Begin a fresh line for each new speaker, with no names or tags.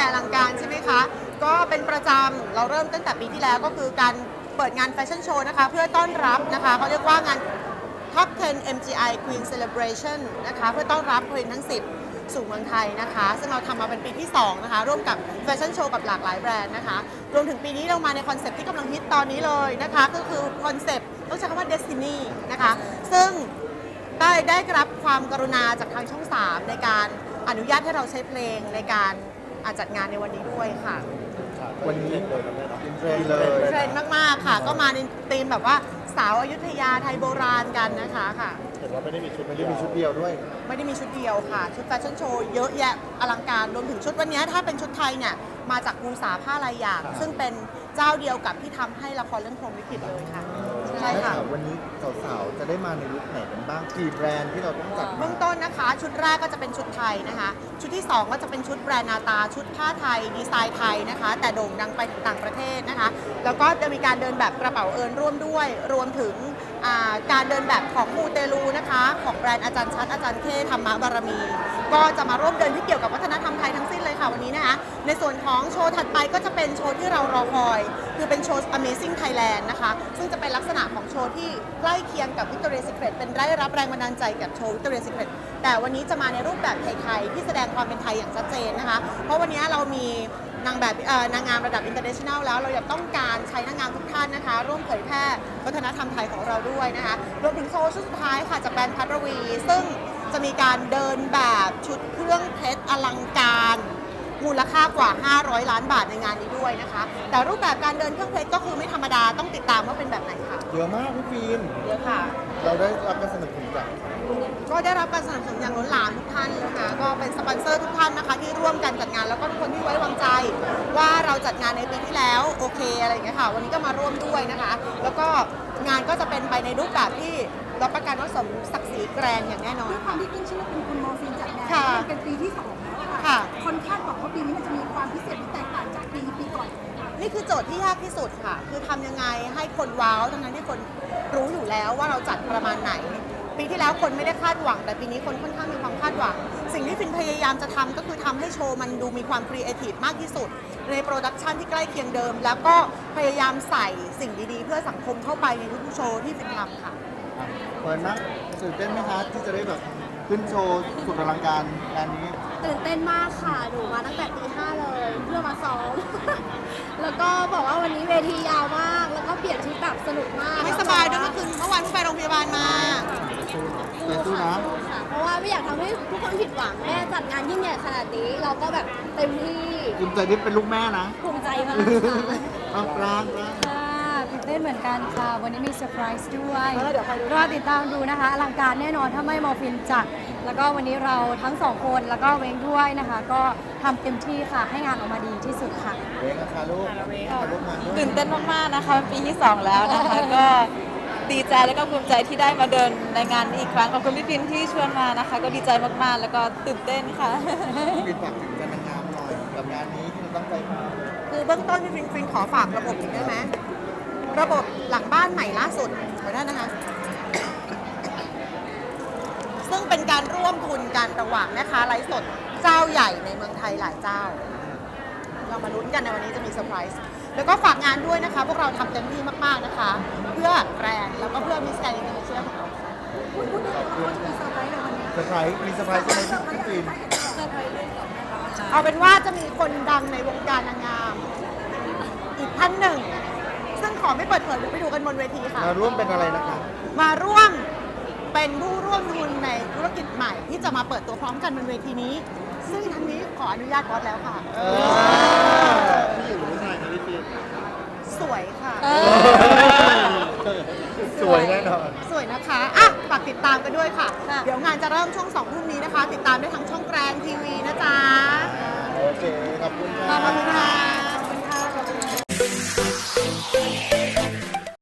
ญ่อลังการใช่ไหมคะก็เป็นประจำเราเริ่มตั้งแต่ปีที่แล้วก็คือการเปิดงานแฟชั่นโชว์นะคะเพื่อต้อนรับนะคะเขาเรียกว่างาน Top 10 MGI Queen Celebration นะคะเพื่อต้อนรับ Queen ทั้ง 10 สู่เมืองไทยนะคะซึ่งเราทำมาเป็นปีที่2นะคะร่วมกับแฟชั่นโชว์กับหลากหลายแบรนด์นะคะรวมถึงปีนี้เรามาในคอนเซปต์ที่กำลังฮิตตอนนี้เลยนะคะก็คือคอนเซปต์ต้องใช้คำว่า Destiny นะคะซึ่งได้รับความกรุณาจากทางช่อง 3 ในการอนุญาตให้เราใช้เพลงในการจัดงานในวันนี้ด้วยค่ะ
วันนี้เทรนเลย
เทรนมากๆค่ะก็มาในธีมแบบว่าสาวอยุธยาไทยโบราณกันนะคะค่ะ
เห็นว่าไม่ได้มีชุดเดียวด้วย
ไม่ได้มีชุดเดียวค่ะชุดแฟชั่นโชว์เยอะแยะอลังการรวมถึงชุดวันนี้ถ้าเป็นชุดไทยเนี่ยมาจากภูษาผ้าลายหยางซึ่งเป็นเจ้าเดียวกับที่ทำให้ละครเรื่องพรหมลิขิตเลยค่ะใช่ค่ะ
วันนี้สาวๆจะได้มาในลุคไหนกันบ้างกี่แบรนด์ที่เราต้องจัด
เบื้องต้นนะคะชุดแรกก็จะเป็นชุดไทยนะคะชุดที่2ก็จะเป็นชุดแบรนด์นาตาชุดผ้าไทยดีไซน์ไทยนะคะแต่โด่งดังไปถึงต่างประเทศนะคะแล้วก็จะมีการเดินแบบกระเป๋าเอิญร่วมด้วยรวมถึงการเดินแบบของมูเตลูนะคะของแบรนด์อาจารย์ชัดอาจารย์เทธรรมบารมีก็จะมาร่วมเดินที่เกี่ยวกับวัฒนธรรมไทยทั้งสิ้นเลยค่ะวันนี้นะคะในส่วนของโชว์ถัดไปก็จะเป็นโชว์ที่เรารอคอยคือเป็นโชว์ Amazing Thailand นะคะซึ่งจะเป็นลักษณะของโชว์ที่ใกล้เคียงกับ Victoria's Secret เป็นได้รับแรงบันดาลใจกับโชว์ Victoria's Secret แต่วันนี้จะมาในรูปแบบไทยๆที่แสดงความเป็นไทยอย่างชัดเจนนะคะเพราะวันนี้เรามีนางงามระดับ international แล้วเราอยากต้องการใช้นางงามทุกท่านนะคะร่วมเผยแพร่วัฒนธรรมไทยของเราด้วยนะคะรวมถึงโชว์ชุดสุดท้ายค่ะจากแบรนด์พัทรวีซึ่งจะมีการเดินแบบชุดเครื่องเพชรอลังการมูลค่ากว่า500 ล้านบาทในงานนี้ด้วยนะคะแต่รูปแบบการเดินเครื่องเพชรก็คือไม่ธรรมดาต้องติดตามว่าเป็นแบบไหนค่ะ
เยอะมากพี่ฟิล์ม
เยอะค่ะ
เราได้รับการสนับสนุนจาก
ก็ได้รับการสนับสนุนอย่างล้นหลามทุกท่านนะคะก็เป็นสปอนเซอร์ทุกท่านนะคะที่ร่วมกันจัดงานแล้วก็ทุกคนที่ไว้วางใจว่าเราจัดงานในปีที่แล้วโอเคอะไรอย่างเงี้ยค่ะวันนี้ก็มาร่วมด้วยนะคะแล้วก็งานก็จะเป็นไปในรูปแบบที่รับประกันว่าสมศักดิ์ศรีแกรนด์อย่างแน่นอน
ด้วยความที่ขึ้นชื่อว่าเป็นคุณโมฟินจัดงานเป็นปีที่2แล้วค่ะคนคาดหวังว่าปีนี้มันจะมีความพิเศษที่แตกต่างจากปีก่อน
นี่คือโจทย์ที่ยากที่สุดค่ะคือทำยังไงให้คนว้าวทั้งนั้นที่คนรู้อยู่แล้วว่าเราจัดประมาณไหนปีที่แล้วคนไม่ได้คาดหวังแต่ปีนี้คนค่อนข้างมีความคาดหวังสิ่งที่ฟินพยายามจะทำก็คือทำให้โชว์มันดูมีความครีเอทีฟมากที่สุดในโปรดักชันที่ใกล้เคียงเดิมแล้วก็พยายามใส่สิ่งดีๆเพื่อสังคมเข้าไปในทุกๆโชว์ที่ฟินทำค่ะ
เปิดนะตื่นเต้นไหมคะที่จะได้แบบขึ้นโชว์สุดอลังการงานนี้
ตื่นเต้นมากค่ะหนูมาตั้งแต่ตี 5เลยเพื่อมาซ้อมแล้วก็บอกว่าวันนี้เวทียาวมากแล้วก็เปลี่ยนชุดแบบสนุกมาก
ไม่สบายด้วยเมื่อวานไปโรงพยาบาลมา
สู้นะ
เพราะว่าไม่อยากทำให้ทุกคนผิดหวังแม่จัดงานยิ่งใหญ่ขนาดนี้เราก็แบบเต็มที่
ภูมิใจที่เป็นลูกแม่นะ
ภูมิใจมาก
ค่ะปราง
ตื่นเต้นเหมือนกันค่ะวันนี้มีเซอร์ไพรส์ด้วยรอติดตามดูนะคะอลังการแน่นอนถ้าไม่มอฟินจัดแล้วก็วันนี้เราทั้ง2คนแล้วก็เว้งด้วยนะคะก็ทำเต็มที่ค่ะให้งานออกมาดีที่สุดค่ะ
เว้งค่ะลูก
ตื่นเต้นมากๆนะคะปีที่2แล้วนะคะก็ดีใจแล้วก็ภูมิใจที่ได้มาเดินในงานนี้อีกครั้งขอบคุณพี่ฟินที่ชวนมานะคะก็ดีใจมากๆแล้วก็ตื่นเต้นค่ะ
ฟินฝากถึงการนางงามหน่อยกับงานนี้ที่เราตั้งใจมา
คือเบื้องต้นพี่ฟินขอฝากระบบอีกได้ไหมระบบหลังบ้านใหม่ล่าสุดขอได้นะคะซึ่งเป็นการร่วมทุนกันระหว่างแม่ค้าไลฟ์สดเจ้าใหญ่ในเมืองไทยหลายเจ้าเรามาลุ้นกันในวันนี้จะมีเซอร์ไพรส์แล้วก็ฝากงานด้วยนะคะพวกเราทำเต็มที่มากๆนะคะเพื่อแบรนด์แล้วก็เพื่อมิสแกรนด์อินเตอร์เนชั่นแนลของเรา
เซอร์ไพรส์มีเซอร์ไพรส์ใช่ไหมพี่ฟิล์ม
เอาเป็นว่าจะมีคนดังในวงการนางงามอีกท่านหนึ่งซึ่งขอไม่เปิดเผยไปดูกันบนเวทีค่ะ
มาร่วมเป็นอะไรนะคะ
มาร่วมเป็นผู้ร่วมทุนในธุรกิจใหม่ที่จะมาเปิดตัวพร้อมกันบนเวทีนี้ซึ่งทันนี้ขออนุญาตบอสแล้วค่ะ
พี่อยู่ผู้ชายนะพี่ฟิล์ม
สวยค่ะ
สวยแน่นอน
สวยนะคะอ่ะฝากติดตามกันด้วยค่ะเดี๋ยวงานจะเริ่มช่วง2 ทุ่มนี้นะคะติดตามได้ทั้งช่องแกรนทีวีนะจ๊ะ
โอเคขอบคุณ
ค่ะ